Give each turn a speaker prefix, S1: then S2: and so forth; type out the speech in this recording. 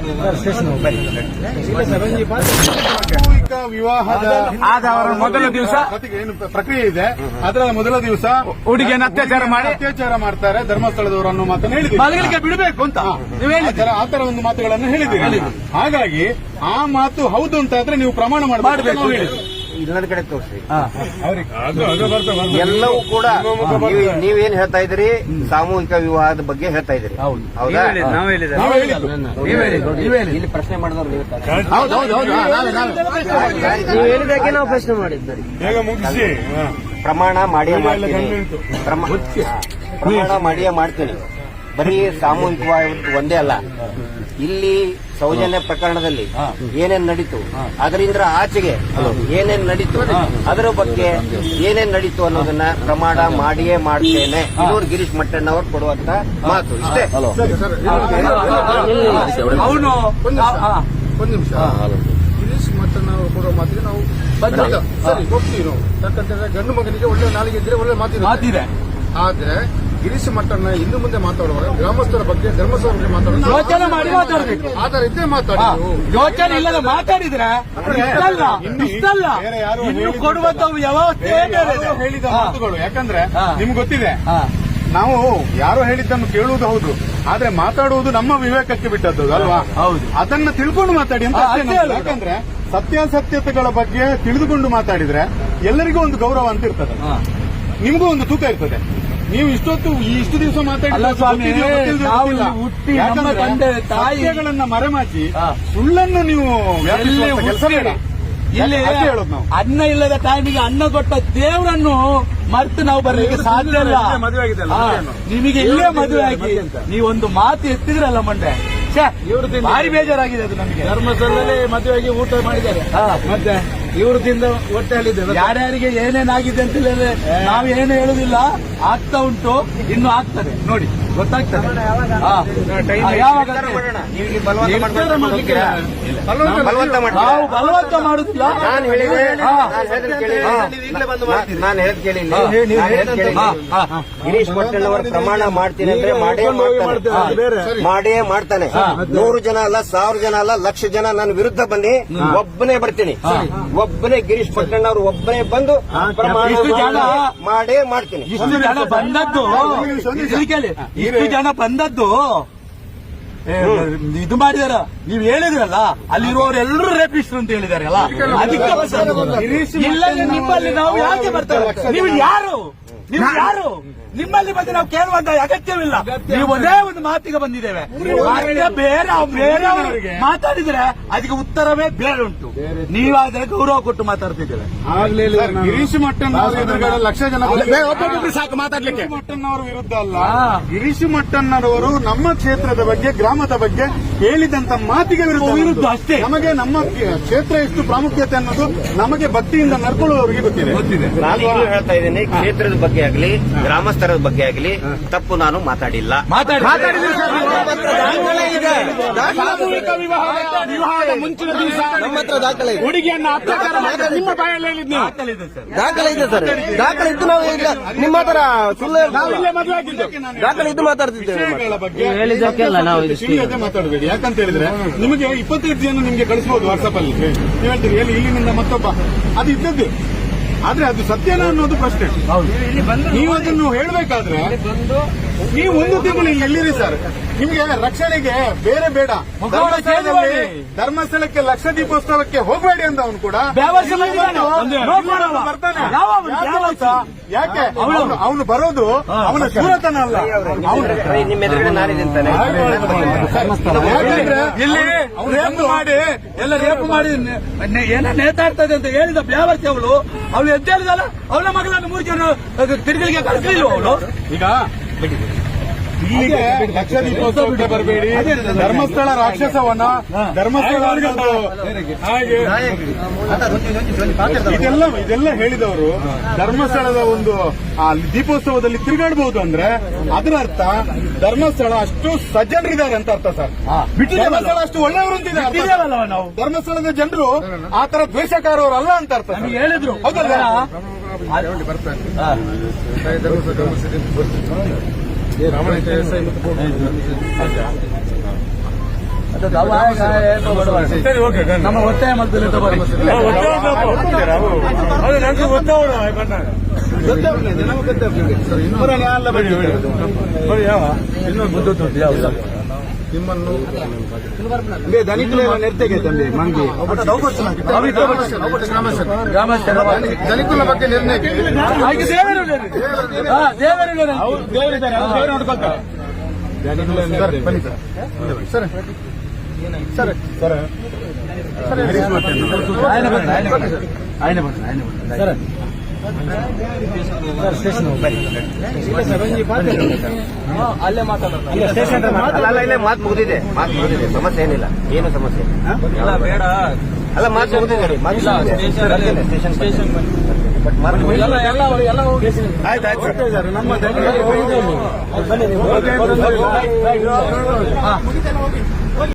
S1: ಸಾಮೂಹಿಕ ವಿವಾಹದ
S2: ಆದವರ ಮೊದಲ ದಿವಸ
S1: ಏನು ಪ್ರಕ್ರಿಯೆ ಇದೆ, ಅದರ ಮೊದಲ ದಿವಸ
S2: ಹುಡುಗಿಯನ್ನು ಅತ್ಯಾಚಾರ
S1: ಮಾಡ್ತಾರೆ ಧರ್ಮಸ್ಥಳದವರು ಅನ್ನೋ ಮಾತನ್ನು ಹೇಳಿದ್ದೀರಿ.
S2: ಮಲಗಲಿಕ್ಕೆ ಬಿಡಬೇಕು ಅಂತ
S1: ಆತರ ಒಂದು ಮಾತುಗಳನ್ನು ಹೇಳಿದ್ದೀರಿ. ಹಾಗಾಗಿ ಆ ಮಾತು ಹೌದು ಅಂತ ಆದ್ರೆ ನೀವು ಪ್ರಮಾಣ ಮಾಡಬೇಕು.
S3: ಇನ್ನೊಂದು ಕಡೆ ತೋರಿಸಿ. ಎಲ್ಲವೂ ಕೂಡ ನೀವೇನ್ ಹೇಳ್ತಾ ಇದ್ರಿ, ಸಾಮೂಹಿಕ ವಿವಾಹದ ಬಗ್ಗೆ ಹೇಳ್ತಾ ಇದ್ರಿ. ಹೌದಾ? ಇಲ್ಲಿ ಪ್ರಶ್ನೆ ಮಾಡಿದವ್ರು ನೀವು ಹೇಳಿದಾಗೆ ನಾವು ಪ್ರಶ್ನೆ ಮಾಡಿದ್ವಿ. ಪ್ರಮಾಣ ಮಾಡಿಯೇ ಮಾಡ್ತೀನಿ. ಬರೀ ಸಾಮೂಹಿಕವಾಗಿ ಒಂದೇ ಅಲ್ಲ, ಇಲ್ಲಿ ಸೌಜನ್ಯ ಪ್ರಕರಣದಲ್ಲಿ ಏನೇನ್ ನಡೀತು, ಅದರಿಂದ ಆಚೆಗೆ ಏನೇನ್ ನಡೀತು, ಅದರ ಬಗ್ಗೆ ಏನೇನ್ ನಡೀತು ಅನ್ನೋದನ್ನ ಪ್ರಮಾಣ ಮಾಡಿಯೇ ಮಾಡ್ತೇನೆ. ಇನ್ನೂರು ಗಿರೀಶ್ ಮಟ್ಟಣ್ಣವರು ಕೊಡುವಂತ ಮಾತು ಇಷ್ಟೇ.
S2: ಅವನು
S1: ಒಂದು ನಿಮಿಷ, ಗಿರೀಶ್ ಮಟ್ಟಣ್ಣವರು ಕೊಡುವ ಮಾತಿಗೆ ನಾವು ಸರಿ ಹೋಗ್ತೀವಿ. ನಾವು ಯಾಕಂತಂದ್ರೆ ಗಂಡು ಮಗನಿಗೆ ಒಳ್ಳೆ ನಾಲಿಗೆ ಇದ್ರೆ ಒಳ್ಳೆ ಮಾತಿದೆ. ಆದ್ರೆ ಗಿರೀಶ್ ಮಟ್ಟಣ್ಣ ಇನ್ನು ಮುಂದೆ ಮಾತಾಡುವಾಗ ಗ್ರಾಮಸ್ಥರ ಬಗ್ಗೆ ಧರ್ಮಸ್ಥಳ ಬಗ್ಗೆ
S2: ಯೋಚನೆ ಮಾಡಿ ಮಾತಾಡಬೇಕು.
S1: ಆತರ ಇದ್ದೇ ಮಾತಾಡಿ.
S2: ಯೋಚನೆ ಇಲ್ಲದ ಮಾತಾಡಿದ್ರೆ ಇಷ್ಟಲ್ಲ ಇನ್ನು ಕೊಡುವಂತ ವ್ಯವಸ್ಥೆ
S1: ಹೇಳಿದ ಮಾತುಗಳು. ಯಾಕಂದ್ರೆ ನಿಮ್ಗೆ ಗೊತ್ತಿದೆ, ನಾವು ಯಾರೋ ಹೇಳಿದ್ದನ್ನು ಕೇಳುವುದು ಹೌದು, ಆದ್ರೆ ಮಾತಾಡುವುದು ನಮ್ಮ ವಿವೇಕಕ್ಕೆ ಬಿಟ್ಟದ್ದು ಅಲ್ವಾ? ಹೌದು. ಅದನ್ನ ತಿಳ್ಕೊಂಡು ಮಾತಾಡಿ ಅಂತ. ಯಾಕಂದ್ರೆ ಸತ್ಯಾಸತ್ಯತೆಗಳ ಬಗ್ಗೆ ತಿಳಿದುಕೊಂಡು ಮಾತಾಡಿದ್ರೆ ಎಲ್ಲರಿಗೂ ಒಂದು ಗೌರವ ಅಂತ ಇರ್ತದೆ, ನಿಮಗೂ ಒಂದು ತೂಕ ಇರ್ತದೆ. ನೀವು ಇಷ್ಟು ದಿವಸ ಮಾತಾಡಿಲ್ಲ ಸ್ವಾಮಿ, ತಾಯಿಗಳನ್ನ ಮರೆಮಾಚಿ ಸುಳ್ಳನ್ನು ನೀವು ಕೆಲಸ ಬೇಡ.
S2: ಇಲ್ಲಿ ಹೇಳೋದು ನಾವು ಅನ್ನ ಇಲ್ಲದ ಟೈಮಿಗೆ ಅನ್ನ ಕೊಟ್ಟ ದೇವರನ್ನು ಮರ್ತು ನಾವು ಬರ್ಲಿಕ್ಕೆ ಸಾಧ್ಯ ಇಲ್ಲ. ನಿಮಗೆ ಇಲ್ಲೇ ಮದುವೆ ಆಗಿ ನೀವೊಂದು ಮಾತು ಎತ್ತಿದ್ರಲ್ಲ ಮಂಡೆ, ಭಾರಿ ಬೇಜಾರಾಗಿದೆ ಅದು ನಮಗೆ.
S1: ಧರ್ಮಸ್ಥಳದಲ್ಲಿ ಮದುವೆಯಾಗಿ ಊಟ ಮಾಡಿದ್ದಾರೆ, ಮತ್ತೆ ಇವರು ತಿಂದ ಹೊಟ್ಟೆಯಲ್ಲಿದೆ.
S2: ಯಾರ್ಯಾರಿಗೆ ಏನೇನಾಗಿದೆ ಅಂತ ಹೇಳಿದ್ರೆ ನಾವು ಏನು ಹೇಳುದಿಲ್ಲ, ಆಗ್ತಾ ಉಂಟು, ಇನ್ನು ಆಗ್ತದೆ ನೋಡಿ, ಗೊತ್ತಾಗ್ತದೆ. ನಾವು ಬಲವಂತ ಮಾಡುದಿಲ್ಲ.
S3: ನಾನು ಹೇಳದ್ ಕೇಳಿ, ಗಿರೀಶ್ ಮಟ್ಟಣ್ಣವರ ಪ್ರಮಾಣ ಮಾಡ್ತೀನಿ ಅಂದ್ರೆ ಮಾಡೇ ಮಾಡ್ತಾನೆ. 100 ಜನ ಅಲ್ಲ, 1000 ಜನ ಅಲ್ಲ, 1,00,000 ಜನ ನನ್ನ ವಿರುದ್ಧ ಬನ್ನಿ, ಒಬ್ಬನೇ ಬರ್ತೀನಿ. ಒಬ್ಬನೇ ಗಿರೀಶ್ ಪಟ್ಟಣ್ಣವರು ಒಬ್ಬನೇ ಬಂದು ಪ್ರಮಾಣ ಮಾಡೇ ಮಾಡ್ತೀನಿ.
S2: ಇಷ್ಟು ಜನ ಬಂದದ್ದು ಇದು ಮಾಡಿದಾರ. ನೀವು ಹೇಳಿದ್ರಲ್ಲ, ಅಲ್ಲಿರುವವರೆಲ್ಲರೂ ರೇಪಿಸ್ಟ್ರು ಅಂತ ಹೇಳಿದಾರಲ್ಲ, ಅದಕ್ಕೆ ಇಲ್ಲ. ನಿಮ್ಮಲ್ಲಿ ನಾವು ಯಾಕೆ ಬರ್ತೇವೆ? ನೀವು ಯಾರು ನಿಮ್ಮಲ್ಲಿ ಬಂದು ನಾವು ಕೇಳುವಂತ ಅಗತ್ಯವಿಲ್ಲ. ನೀವು ಒಂದೇ ಒಂದು ಮಾತಿಗೆ ಬಂದಿದ್ದೇವೆ. ಬೇರೆಯವರು ಮಾತಾಡಿದ್ರೆ ಅದಕ್ಕೆ ಉತ್ತರವೇ ಬೇರೆ ಉಂಟು. ನೀವಾದ್ರೆ ಗೌರವ ಕೊಟ್ಟು ಮಾತಾಡ್ತಿದ್ದೇವೆ.
S1: ಗಿರೀಶ್ ಮಟ್ಟಣ್ಣವರ ಎದುರುಗಡೆ 1,00,000 ಜನ
S2: ಸಾಕು ಮಾತಾಡ್ಲಿಕ್ಕೆ.
S1: ಮಟ್ಟಣ್ಣವರ ವಿರುದ್ಧ ಅಲ್ಲ, ಗಿರೀಶ್ ಮಟ್ಟಣ್ಣರವರು ನಮ್ಮ ಕ್ಷೇತ್ರದ ಬಗ್ಗೆ, ಗ್ರಾಮದ ಬಗ್ಗೆ ಹೇಳಿದಂತ ಮಾತಿಗೆ ವಿರುದ್ಧ ಅಷ್ಟೇ. ನಮಗೆ ನಮ್ಮ ಕ್ಷೇತ್ರ ಎಷ್ಟು ಪ್ರಾಮುಖ್ಯತೆ ಅನ್ನೋದು ನಮಗೆ ಭಕ್ತಿಯಿಂದ ನಡ್ಕೊಳ್ಳುವವರಿಗೆ ಗೊತ್ತಿದೆ.
S3: ನಾನು ಹೇಳ್ತಾ ಇದ್ದೀನಿ, ಕ್ಷೇತ್ರದ ಬಗ್ಗೆ ಆಗಲಿ, ಗ್ರಾಮಸ್ಥರ ಬಗ್ಗೆ ಆಗಲಿ ತಪ್ಪು ನಾನು ಮಾತಾಡಿಲ್ಲ.
S2: ವಿವಾಹದ ಮುಂಚಿನ ದಿವಸ ನಮ್ಮ ಹತ್ರ ದಾಖಲೆ, ಹುಡುಗಿಯನ್ನ ಅತ್ಯಾಚಾರ ಮಾಡಿದ ನಿಮ್ಮ ಬಾಯಲ್ಲಿ ಹೇಳಿದ್ನಿ.
S3: ದಾಖಲೆ ಇದೆ ಸರ್, ದಾಖಲೆ ಇದ್ದು ನಾವು ನಿಮ್ಮ ಹತ್ರ ಸುಳ್ಳು ದಾಖಲೆ ಇದ್ದು ಮಾತಾಡ್ತಿದ್ದೇವೆ.
S1: ಹೇಳಿದ್ದಕ್ಕೆಲ್ಲ ನಾವು ಮಾತಾಡಬೇಡಿ. ಯಾಕಂತ ಹೇಳಿದ್ರೆ ನಿಮಗೆ 25 ಜನ ನಿಮ್ಗೆ ಕಳಿಸಬಹುದು ವಾಟ್ಸ್ಆಪ್ ಅಲ್ಲಿ. ನೀವು ಹೇಳ್ತೀರಿ ಇಲ್ಲಿನಿಂದ ಮತ್ತೊಬ್ಬ, ಅದು ಇದ್ದದ್ದು. ಆದ್ರೆ ಅದು ಸತ್ಯನ ಅನ್ನೋದು ಪ್ರಶ್ನೆ. ನೀವು ಅದನ್ನು ಹೇಳಬೇಕಾದ್ರೆ ನೀವು ಒಂದು ತಿಂಗಳು ಎಲ್ಲಿರಿ ಸರ್? ನಿಮ್ಗೆ ರಕ್ಷಣೆಗೆ ಬೇರೆ ಬೇಡ. ಧರ್ಮಸ್ಥಳಕ್ಕೆ ಲಕ್ಷ ದೀಪೋತ್ಸವಕ್ಕೆ ಹೋಗಬೇಡಿ ಅಂತ ಅವನು ಕೂಡ ಬರ್ತಾನೆ. ಯಾಕೆ ಅವನು ಬರೋದು ಅವನ ಸೂರತನ ಅಲ್ಲ.
S3: ನಿಮ್ಮ ಎದುರುಗಡೆ ನಾನಿದ್ದಂತಾನೆ
S2: ಇಲ್ಲಿ ರೇಪು ಮಾಡಿ ಎಲ್ಲ ರೇಪು ಮಾಡಿ ಏನೋ ನೇತಾಡ್ತದೆ ಅಂತ ಹೇಳಿದ ಬ್ಯಾವರ್ತಿ ಅವಳು ಎದ್ದು ಹೇಳಿದಲ್ಲ, ಅವಳ ಮಗಳನ್ನು 3 ಜನ ತಿರುಗಲಿಗೆ ಕಳಿಸಲಿಲ್ಲ ಅವಳು.
S1: ಈಗ ಇಲ್ಲಿಗೆ ಲಕ್ಷ ದೀಪೋತ್ಸವಕ್ಕೆ ಬರಬೇಡಿ, ಧರ್ಮಸ್ಥಳ ರಾಕ್ಷಸವನ, ಧರ್ಮಸ್ಥಳ ಹಾಗೆ ಇದೆಲ್ಲ ಹೇಳಿದವರು ಧರ್ಮಸ್ಥಳದ ಒಂದು ದೀಪೋತ್ಸವದಲ್ಲಿ ತಿರುಗಾಡಬಹುದು ಅಂದ್ರೆ ಅದರ ಅರ್ಥ ಧರ್ಮಸ್ಥಳ ಅಷ್ಟು ಸಜ್ಜನರಿದ್ದಾರೆ ಅಂತ ಅರ್ಥ ಸರ್. ಧರ್ಮಸ್ಥಳ ಅಷ್ಟು ಒಳ್ಳೆಯವರು ಅಂತಿದ್ದಾರೆ. ನಾವು ಧರ್ಮಸ್ಥಳದ ಜನರು ಆ ತರ ದ್ವೇಷಕಾರವರಲ್ಲ ಅಂತ ಅರ್ಥ
S2: ಹೇಳಿದ್ರು.
S1: ಹೌದಲ್ಲ?
S2: ಸರಿ ಓಕೆ ನಮ್ಮ ಒತ್ತಾಯ ಮಾಡ್ತಿಲ್ಲ
S1: ನಿಮ್ಮನ್ನು ಧನಿಕುಲ ನಿರ್ತೆಗೆ ತಂದೆ ಮಂಗಿ ಧನಿಕುಲ ಬಗ್ಗೆ ನಿರ್ಣಯಕ್ಕೆ ಸರ್ ಸರ್ ಸರ್
S2: ಅಲ್ಲೇ ಮಾತಾಡೋದು
S3: ಇಲ್ಲೇ ಮಾತು ಮುಗಿದಿದೆ ಸಮಸ್ಯೆ ಏನಿಲ್ಲ ಏನು ಸಮಸ್ಯೆ ಇಲ್ಲ
S2: ಬೇಡ
S3: ಅಲ್ಲ ಮಾತು ಮುಗಿದಿದೆ ಸ್ಟೇಷನ್
S2: ಎಲ್ಲ ಹೋಗಿ
S1: ಆಯ್ತು ನಮ್ಮ